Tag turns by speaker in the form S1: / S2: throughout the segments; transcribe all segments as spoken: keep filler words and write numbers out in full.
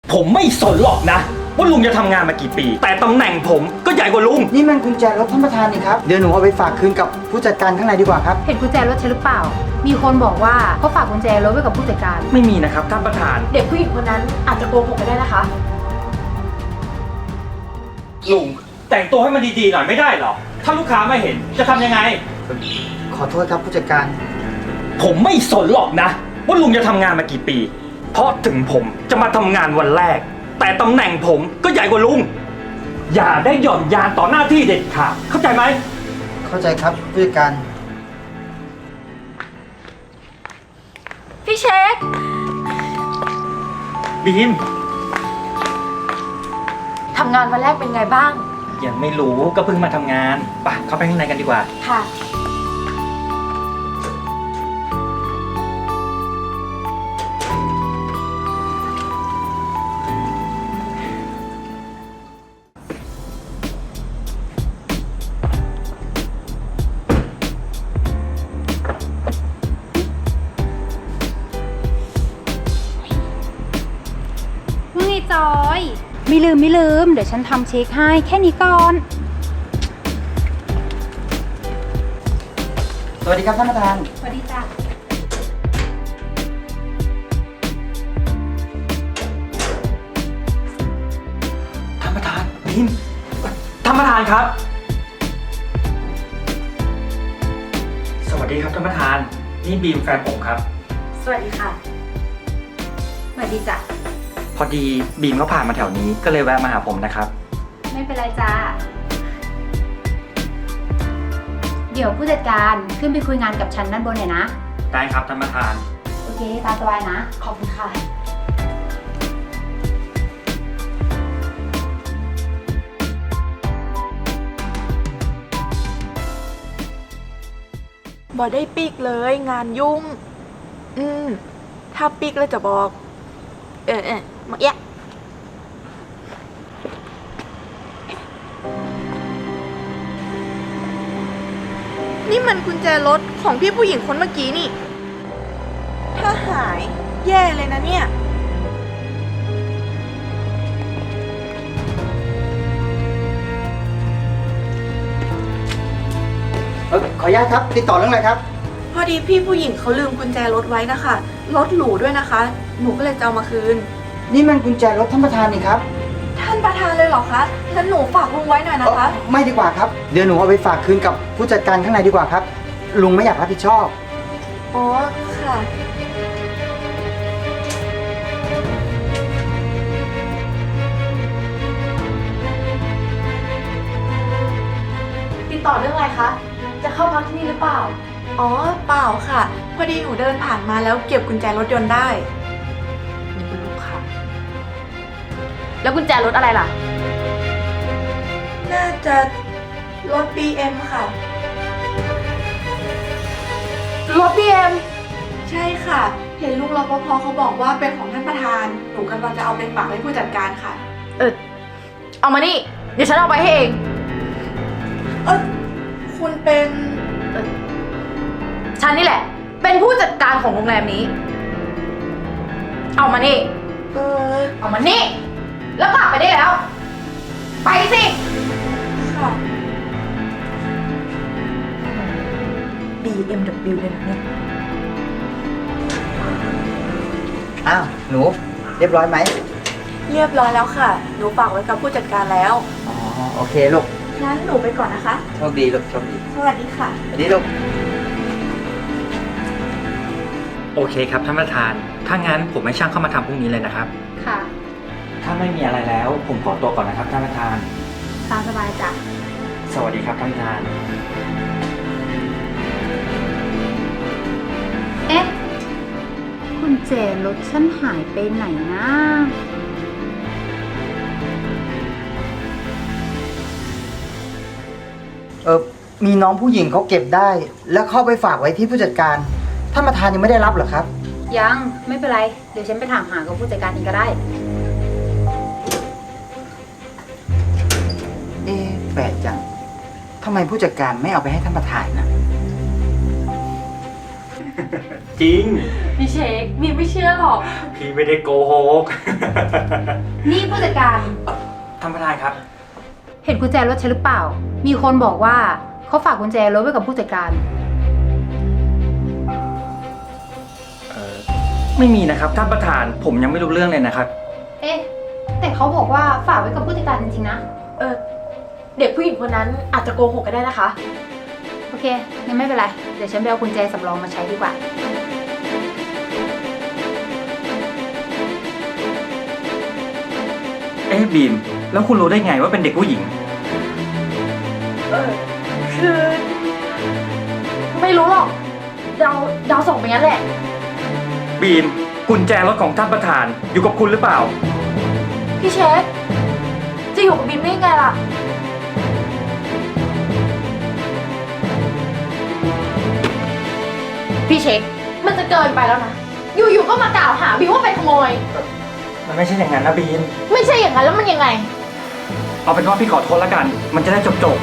S1: ผมไม่สนหรอกนะว่าลุงจะทำงานมากี่ปี แต่ตำแหน่งผมก็ใหญ่กว่าลุง
S2: นี่มันกุญแจรถท่านประธานนี่ครับ เดี๋ยวหนูเอาไปฝากคืนกับผู้จัดการข้างในดีกว่าครับ
S3: เห็นกุญแจรถใช่หรือเปล่า มีคนบอกว่าเขาฝากกุญแจรถไว้กับผู้จัดการ
S1: ไม่มีนะครับท่านประธาน
S3: เด็กผู้หญิงคนนั้นอาจจะโกหกไปได้นะคะ
S1: ลุงแต่งตัวให้มันดีๆหน่อยไม่ได้หรอถ้าลูกค้าไม่เห็นจะทำยังไง
S2: ขอโทษครับผู้จัดการ
S1: ผมไม่สนหรอกนะว่าลุงจะทำงานมากี่ปี เพราะถึงผมจะมาทำงานวันแรก แต่ตำแหน่งผมก็ใหญ่กว่าลุง อย่าได้หย่อนยานต่อหน้าที่เด็ดขาดเข้าใจไหม
S2: เข้าใจครับผู้จัดการ
S3: พี่เช็ค
S1: บีม
S3: ทำงานวันแรกเป็นไงบ้าง
S1: ยังไม่รู้ก็เพิ่งมาทำงานไปเข้าไปข้างในกันดีกว่า
S3: ค่ะ
S4: ว่าไงจอย ไม่ลืมไม่ลืม เดี๋ยวฉันทำเช็คให้แค่นี้ก่อน
S2: สวัสดีครับท่านประธาน
S4: สวัสดีจ้ะ
S1: ท่านประธานบีมท่านประธานครับ สวัสดีครับท่านประธาน นี่บีมแฟนผมครับ
S3: สวัสดีค่ะ
S4: สวัสดีจ้ะ
S1: พอดีบีมเขาผ่านมาแถวนี้ก็เลยแวะมาหาผมนะครับ
S4: ไม่เป็นไรจ้าเดี๋ยวผู้จัดการขึ้นไปคุยงานกับฉันด้านบนหน่อยนะ
S1: ได้ครับท่านประธาน
S4: โอเค ตามสบายนะ
S3: ขอบคุณค่ะ
S5: บอได้ปีกเลยงานยุ่ง อืม ถ้าปีกแล้วจะบอก เออเออมาเอะนี่มันกุญแจรถของพี่ผู้หญิงคนเมื่อกี้นี่ ถ้าหายแย่เลยนะเนี่ย
S2: เออขออนุญาตครับ ติดต่อเรื่องอะไรครับ
S5: พอดีพี่ผู้หญิงเขาลืมกุญแจรถไว้นะคะ รถหรูด้วยนะคะ หนูก็เลยจะเอามาคืน
S2: นี่มันกุญแจรถท่านประธานนี่ครับ
S5: ท่านประธานเลยเหรอคะงั้นหนูฝากลุงไว้หน่อยนะคะ
S2: เอ่อไม่ดีกว่าครับ เดี๋ยวหนูเอาไปฝากคืนกับผู้จัดการข้างในดีกว่าครับ ลุงไม่อยากรับผิดชอบ
S5: อ๋อ ค่ะ
S3: ติดต่อเรื่องอะไรคะ จะเข้าพักที่นี่หรือเปล่า
S5: อ๋อ เปล่าค่ะ พอดีหนูเดินผ่านมาแล้วเก็บกุญแจรถยนต์ได้
S3: นี่เป็นลูกค้าแล้วกุญแจรถอะไรล่ะ
S5: น่าจะรถ บี เอ็ม ค่ะ
S3: รถบีเอ็ม
S5: ใช่ค่ะ เห็นลุงรปภเขาบอกว่าเป็นของท่านประธาน หนูกำลังจะเอาไปฝากให้ผู้จัดการค่ะ
S3: เออ เอามานี่ เดี๋ยวฉันเอาไปให้เอง
S5: เออคุณเป็น
S3: ฉันนี่แหละ เป็นผู้จัดการของโรงแรมนี้ เอามานี่
S5: เออ
S3: เอามานี่ แล้วกลับไปได้แล้ว ไปสิ
S5: ค่ะ
S3: บี เอ็ม ดับเบิลยู เลยนะเนี่ย
S2: อ้าว หนู เรียบร้อยไหม
S5: เรียบร้อยแล้วค่ะ หนูฝากไว้กับผู้จัดการแล้ว
S2: อ๋อ โอเคลูก
S5: งั้นหนูไปก่อนนะคะ
S2: โชคดีลูก โชคดี
S5: สวัสดีค่ะ
S2: สวัสดีลูก
S1: โอเคครับท่านประธาน ถ้างั้นผมให้ช่างเข้ามาทำพรุ่งนี้เลยนะครับ
S4: ค่ะ
S1: ถ้าไม่มีอะไรแล้ว ผมขอตัวก่อนนะครับท่านประธาน
S4: ตามสบายจ้ะ
S1: สวัสดีครับท่านประธาน
S4: เอ๊ะกุญแจรถฉันหายไปไหนนะ
S2: เออมีน้องผู้หญิงเขาเก็บได้ แล้วเข้าไปฝากไว้ที่ผู้จัดการ ท่านประธานยังไม่ได้รับเหรอครับ
S4: ยังไม่เป็นไร เดี๋ยวฉันไปถามหากับผู้จัดการเองก็ได้
S2: เอ๊ะแปลกจัง ทำไมผู้จัดการไม่เอาไปให้ท่านประธานนะ
S1: จริง
S3: พี่เช็คบีไม่เชื่อหรอก
S1: พี่ไม่ได้โกหก
S4: นี่ผู้จัดการ
S1: ท่านประธานครับ
S4: เห็นกุญแจรถฉันหรือเปล่า มีคนบอกว่าเขาฝากกุญแจรถไว้กับผู้จัดการ
S1: เออไม่มีนะครับท่านประธานผมยังไม่รู้เรื่องเลยนะครับ
S4: เอ๊ะ แต่เขาบอกว่าฝากไว้กับผู้จัดการจริงๆนะ
S5: เออ เด็กผู้หญิงคนนั้นอาจจะโกหกก็ได้นะคะ
S4: โอเคงั้นไม่เป็นไร เดี๋ยวฉันไปเอากุญแจสำรองมาใช้ดีกว่า
S1: เอ๊ะบีมแล้วคุณรู้ได้ไงว่าเป็นเด็กผู้หญิง
S5: เออ คือ ไม่รู้หรอกเดาเดาส่งไปงั้นแหละ
S1: บีมกุญแจรถของท่านประธานอยู่กับคุณหรือเปล่า
S5: พี่เช็คจะอยู่กับบิมได้ยังไงล่ะ พี่เช็ค มันจะเกินไปแล้วนะ อยู่ๆก็มากล่าวหาบิมว่าเป็นขโมย
S1: มันไม่ใช่อย่างนั้นนะบีม
S5: ไม่ใช่อย่างนั้นแล้วมันยังไง
S1: เอาเป็นว่าพี่ขอโทษแล้วกัน มันจะได้จบจบ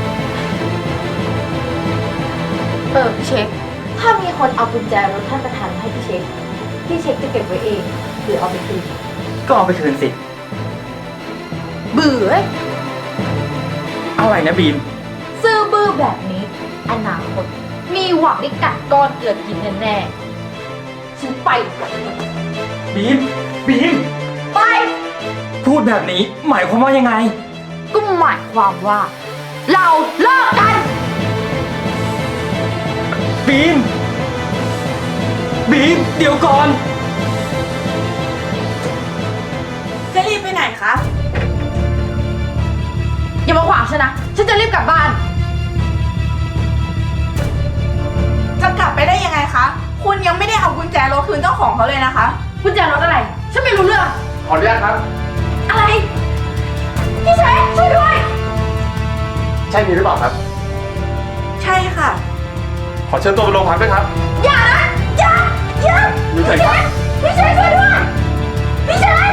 S5: เออพี่เช็ค ถ้ามีคนเอากุญแจรถท่านประธานมาให้พี่เช็ค พี่เช็คจะเก็บไว้เองหรือเอาไปคืน
S1: ๆก็เอาไปคืนสิ
S5: เบื่อ
S1: อะไรนะบีม
S5: ซื่อบื้อแบบนี้ อนาคตมีหวังได้กัดก้อนเกลือกินแน่ๆฉันไปก่อน
S1: บีมบีม
S5: ไป
S1: พูดแบบนี้หมายความว่ายังไง
S5: ก็หมายความว่า เราเลิกกัน
S1: บีมบีมเดี๋ยวก่อน
S5: จะรีบไปไหนคะ อย่ามาขวางฉันนะ ฉันจะรีบกลับบ้าน จะกลับไปได้ยังไงคะ คุณยังไม่ได้เอากุญแจรถคืนเจ้าของเขาเลยนะคะ กุญแจรถอะไร ฉันไม่รู้เรื่อง
S6: ขออนุญาตครับ
S5: อะไร พี่เชฟช่วยด้วย
S6: ใช่มีหรือเปล่าครับ
S5: ใช่ค่ะ
S6: ขอเชิญตัวไปโรงพักด้วยครับ
S5: อย่านะอย่าอย่า
S6: อยู่ไหน
S5: พี่เช
S6: ครับ
S5: ฟพี่เชฟช่วยด้วย พี่เชฟ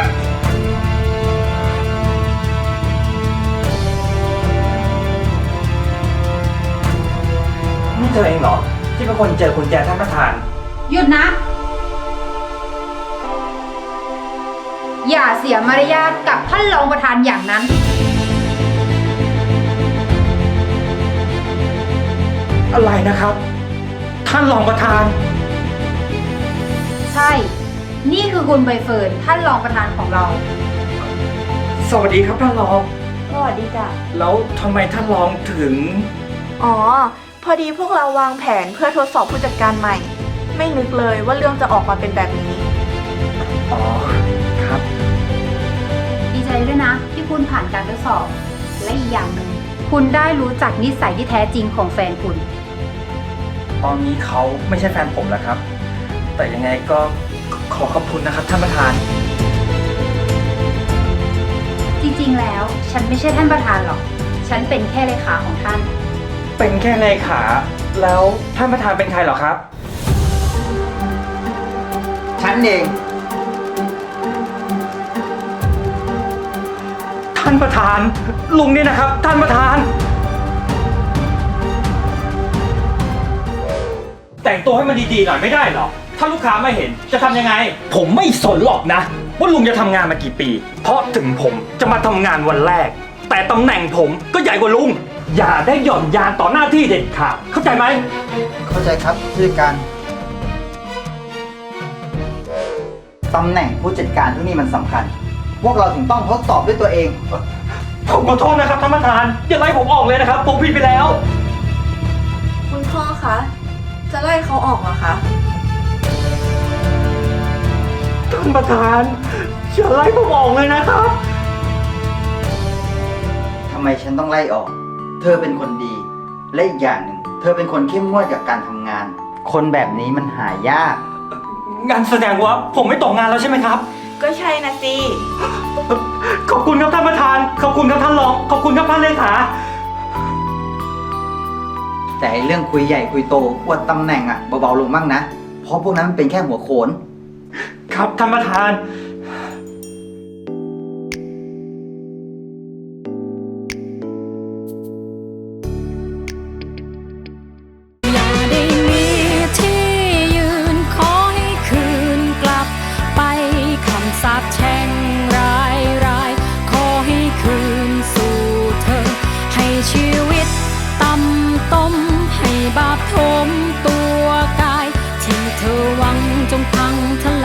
S1: นี่เธอเองเหรอ ที่เป็นคนเจอกุญแจท่านประธาน
S4: หยุดนะ อย่าเสียมารยาทกับท่านรองประธานอย่างนั้น
S1: อะไรนะครับ ท่านรองประธาน
S4: ใช่ นี่คือคุณใบเฟิร์นท่านรองประธานของเรา
S1: สวัสดีครับท่านรอง
S5: สวัสดีจ้ะ
S1: แล้วทำไมท่านรองถึง
S5: อ๋อ พอดีพวกเราวางแผนเพื่อทดสอบผู้จัดการใหม่ ไม่นึกเลยว่าเรื่องจะออกมาเป็นแบบนี้
S1: อ๋อ ครับ
S4: ดีใจด้วยนะ ที่คุณผ่านการทดสอบ และอีกอย่างหนึ่งคุณได้รู้จักนิสัยที่แท้จริงของแฟนคุณ
S1: ตอนนี้เขาไม่ใช่แฟนผมแล้วครับ แต่ยังไงก็ขอขอบคุณนะครับท่านประธาน
S4: จริงๆ แล้วฉันไม่ใช่ท่านประธานหรอก ฉันเป็นแค่เลขาของท่าน
S1: เป็นแค่เลขา แล้วท่านประธานเป็นใครเหรอครับ
S2: ฉันเอง
S1: ท่านประธาน ลุงนี่นะครับ ท่านประธาน แต่งตัวให้มันดีๆหน่อยไม่ได้เหรอ ถ้าลูกค้าไม่เห็นจะทำยังไง ผมไม่สนหรอกนะ ว่าลุงจะทำงานมากี่ปี เพราะถึงผมจะมาทำงานวันแรก แต่ตำแหน่งผมก็ใหญ่กว่าลุง อย่าได้หย่อนยานต่อหน้าที่เด็ดขาดเข้าใจไหม
S2: เข้าใจครับผู้จัดการ ตำแหน่งผู้จัดการที่นี่มันสำคัญ พวกเราถึงต้องทดสอบด้วยตัวเอง
S1: ผมขอโทษนะครับท่านประธาน อย่าไล่ผมออกเลยนะครับ ผมผิดไปแล้ว
S5: คุณพ่อคะ จะไล่เขาออกเหรอคะ
S1: ท่านประธานอย่าไล่ผมออกเลยนะครับ
S2: ทำไมฉันต้องไล่ออก เธอเป็นคนดี และอีกอย่างหนึ่ง เธอเป็นคนเข้มงวดกับการทำงาน คนแบบนี้มันหายาก
S1: งานแสดงว่าผมไม่ตกงานแล้วใช่ไหมครับ
S5: ก็ใช่นะสิ
S1: ขอบคุณครับท่านประธาน ขอบคุณครับท่านรอง ขอบคุณครับท่านเลขา
S2: แต่ไอ้เรื่องคุยใหญ่คุยโตอวดตำแหน่งอะเบาๆลงบ้างนะ เพราะพวกนั้นมันเป็นแค่หัวโขน
S1: ครับท่านประธาน
S7: อย่าได้มีที่ยืนขอให้คืนกลับไปคำสาปแช่งร้ายมตัวกาย ที่เธอหวังจงพังท